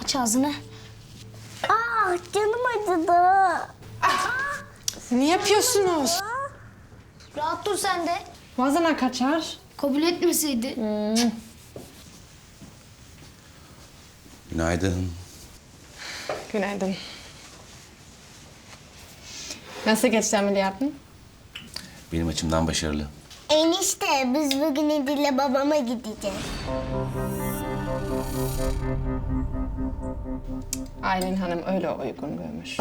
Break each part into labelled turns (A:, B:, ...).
A: Aç ağzını.
B: Canım acıdı.
C: Ne yapıyorsunuz?
A: Rahat dur sen de.
C: Vazana kaçar.
A: Kabul etmeseydi.
D: Günaydın.
C: Günaydın. Nasıl geçti ameliyatın?
D: Benim açımdan başarılı.
B: Enişte biz bugün İdil'le babama gideceğiz.
C: Aylin Hanım öyle uygun görmüş.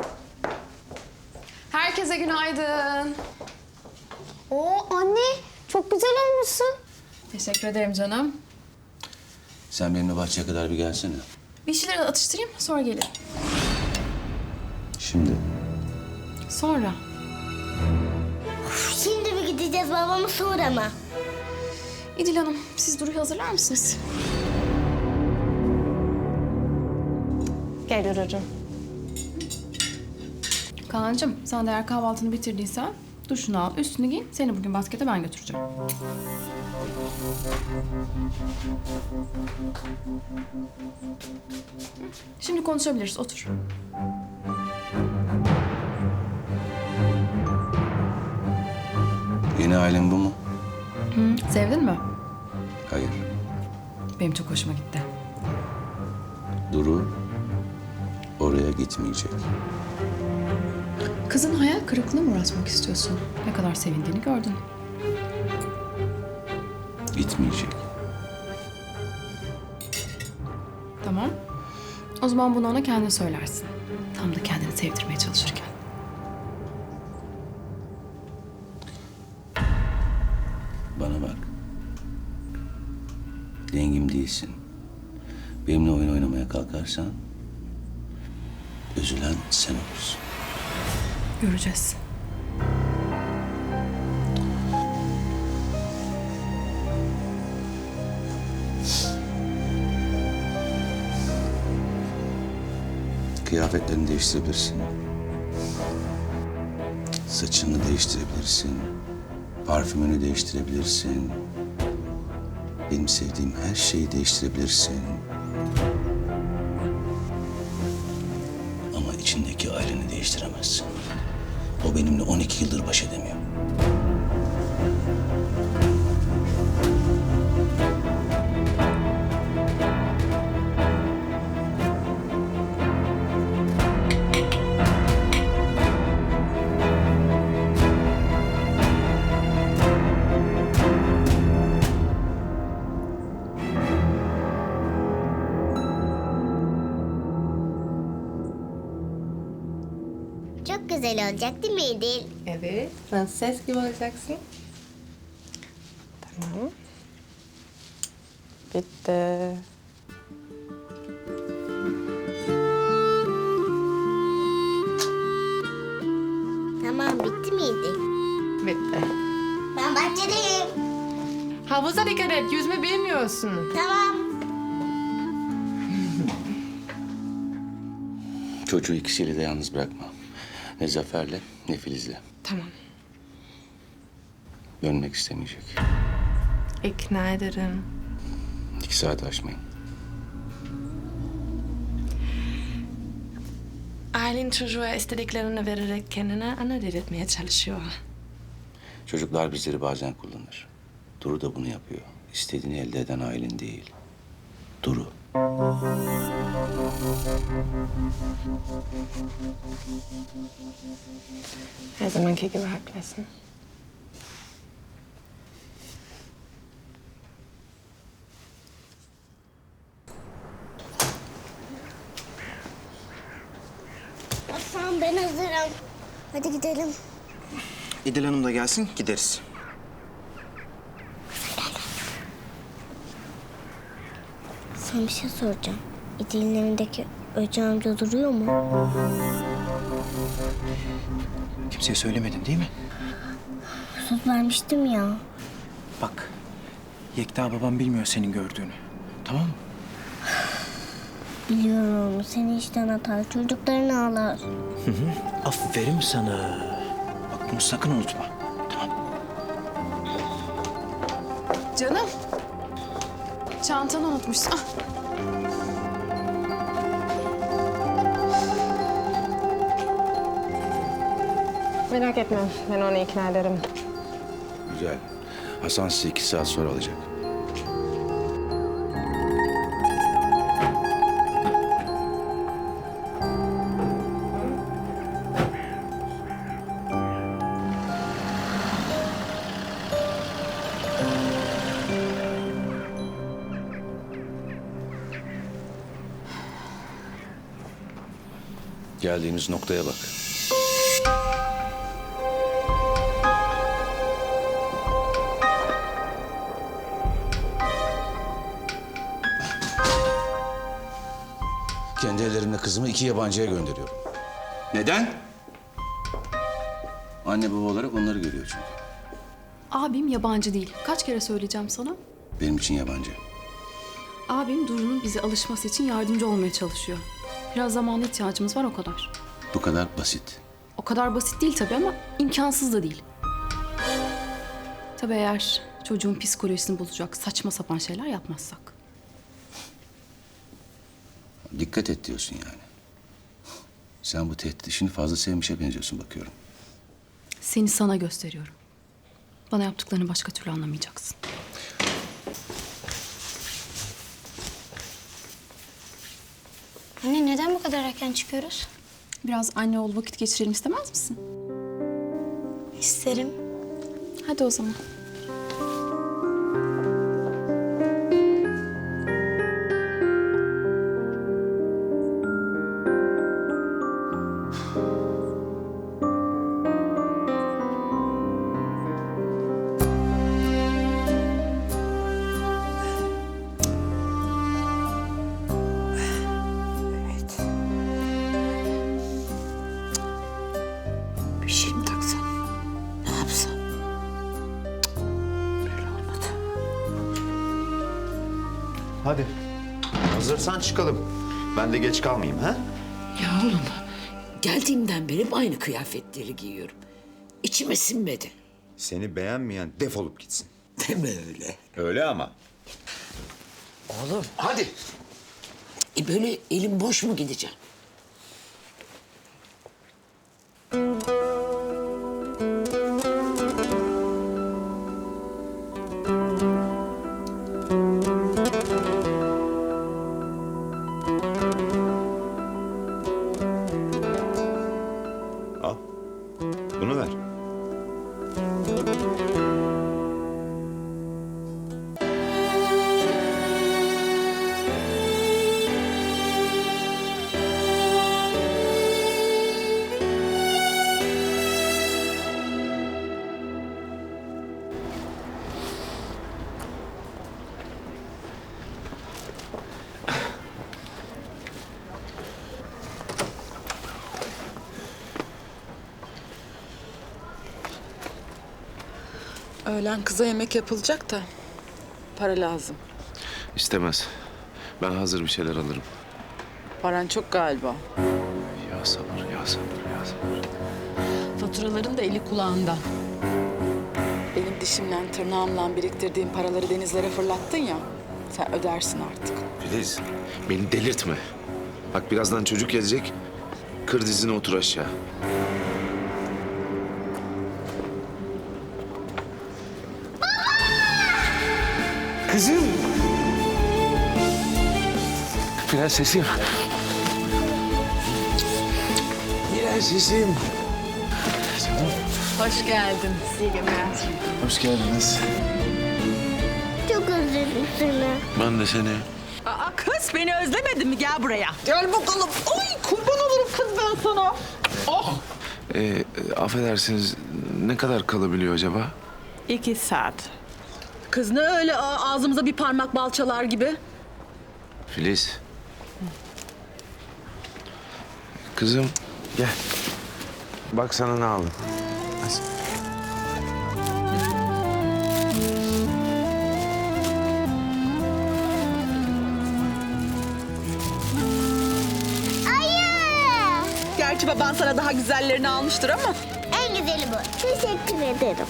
E: Herkese günaydın.
A: Oo anne çok güzel olmuşsun.
E: Teşekkür ederim canım.
D: Sen benimle bahçeye kadar bir gelsene.
E: Bir şeyleri atıştırayım, sonra gelirim.
D: Şimdi.
E: Sonra.
B: Şimdi mi gideceğiz babama sonra mı?
E: İdil Hanım, siz Duru'yu hazırlar mısınız?
C: Gel Duru'cum.
E: Kaan'cığım, sen de eğer kahvaltını bitirdiysen duşunu al, üstünü giy. Seni bugün baskete ben götüreceğim. Şimdi konuşabiliriz, otur.
D: Yeni ailen bu mu?
E: Sevdin mi?
D: Hayır.
E: Benim çok hoşuma gitti.
D: Duru oraya gitmeyecek.
E: Kızın hayal kırıklığına mı uğratmak istiyorsun? Ne kadar sevindiğini gördün.
D: Gitmeyecek.
E: Tamam. O zaman bunu ona kendin söylersin. Tam da kendini sevdirmeye çalışırken.
D: Bana bak. Dengim değilsin. Benimle oyun oynamaya kalkarsan üzülen sen olursun.
E: Göreceğiz.
D: Kıyafetlerini değiştirebilirsin. Saçını değiştirebilirsin. Parfümünü değiştirebilirsin. Benim sevdiğim her şeyi değiştirebilirsin. Ama içindeki aileni değiştiremezsin. O benimle 12 yıldır baş edemiyor.
B: Çok güzel olacak değil mi İdil?
C: Evet, prenses gibi olacaksın. Tamam. Bitti.
B: Tamam bitti mi İdil?
C: Bitti.
B: Ben bahçedeyim.
C: Havuza dikkat et, yüzme bilmiyorsun.
B: Tamam.
D: Çocuğu ikisiyle de yalnız bırakma. Ne Zafer'le ne Filiz'le.
C: Tamam.
D: Dönmek istemeyecek.
C: İkna ederim.
D: 2 saat aşmayın.
C: Aylin çocuğa istediklerini vererek kendine ana dedirtmeye çalışıyor.
D: Çocuklar bizleri bazen kullanır. Duru da bunu yapıyor. İstediğini elde eden Aylin değil. Duru.
C: Her zamanki gibi haklısın.
B: Tamam ben hazırım. Hadi gidelim.
F: İdil Hanım da gelsin, gideriz.
B: Sana bir şey soracağım. İdil'in evindeki Öcü amca duruyor mu?
F: Kimseye söylemedin değil mi?
B: Söz vermiştim ya.
F: Bak, Yekta babam bilmiyor senin gördüğünü. Tamam mı?
B: Biliyorum seni işten atar, çocuklarını ağlar.
F: Aferin sana. Bak bunu sakın unutma. Tamam.
E: Canım. Çantanı unutmuşsun. Ah.
G: Merak etme, ben onu ikna ederim.
D: Güzel. Hasan sizi 2 saat sonra alacak. Geldiğimiz noktaya bak. Kendi ellerimle kızımı 2 yabancıya gönderiyorum. Neden? Anne baba olarak onları görüyor çünkü.
E: Abim yabancı değil. Kaç kere söyleyeceğim sana?
D: Benim için yabancı.
E: Abim Duru'nun bize alışması için yardımcı olmaya çalışıyor. Biraz zamana ihtiyacımız var o kadar.
D: Bu kadar basit.
E: O kadar basit değil tabii ama imkansız da değil. Tabii eğer çocuğun psikolojisini bozacak saçma sapan şeyler yapmazsak.
D: Dikkat et diyorsun yani. Sen bu tehdit işini fazla sevmişe benziyorsun bakıyorum.
E: Seni sana gösteriyorum. Bana yaptıklarını başka türlü anlamayacaksın.
A: Anne neden bu kadar erken çıkıyoruz?
E: Biraz anne oğul vakit geçirelim istemez misin?
A: İsterim.
E: Hadi o zaman.
H: Bir şey mi taksam? Ne yapsam? Böyle olmadı.
I: Hadi. Hazırsan çıkalım. Ben de geç kalmayayım ha?
H: Ya oğlum, geldiğimden beri aynı kıyafetleri giyiyorum. İçime sinmedi.
I: Seni beğenmeyen defolup gitsin.
H: Deme öyle.
I: Öyle ama.
H: Oğlum,
I: Hadi.
H: böyle elim boş mu gideceğim?
I: Al. Bunu ver.
J: Öğlen kıza yemek yapılacak da para lazım.
K: İstemez. Ben hazır bir şeyler alırım.
J: Paran çok galiba.
K: Ya sabır, ya sabır, ya sabır.
J: Faturaların da eli kulağında. Benim dişimle tırnağımla biriktirdiğim paraları denizlere fırlattın ya. Sen ödersin artık.
K: Filiz, beni delirtme. Bak birazdan çocuk gelecek. Kır dizine otur aşağı. Kızım. Prensesim. Prensesim.
J: Hoş geldin.
K: Hoş geldiniz.
B: Çok özledim seni.
K: Ben de seni.
J: Aa kız beni özlemedin mi? Gel buraya. Gel bakalım. Ay kurban olurum kız ben sana. Oh.
K: Affedersiniz, ne kadar kalabiliyor acaba?
J: 2 saat. Kız ne öyle ağzımıza bir parmak bal çalar gibi?
K: Filiz. Kızım, gel. Bak sana ne aldım.
J: Gerçi baban sana daha güzellerini almıştır ama.
B: En güzeli bu. Teşekkür ederim.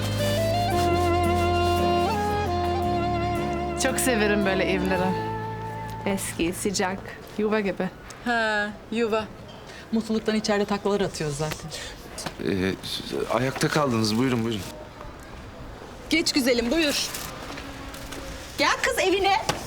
C: Çok severim böyle evleri. Eski, sıcak, yuva gibi.
J: Ha, yuva. Mutluluktan içeride taklalar atıyoruz zaten.
K: Ayakta kaldınız. Buyurun buyurun.
J: Geç güzelim buyur. Gel kız evine.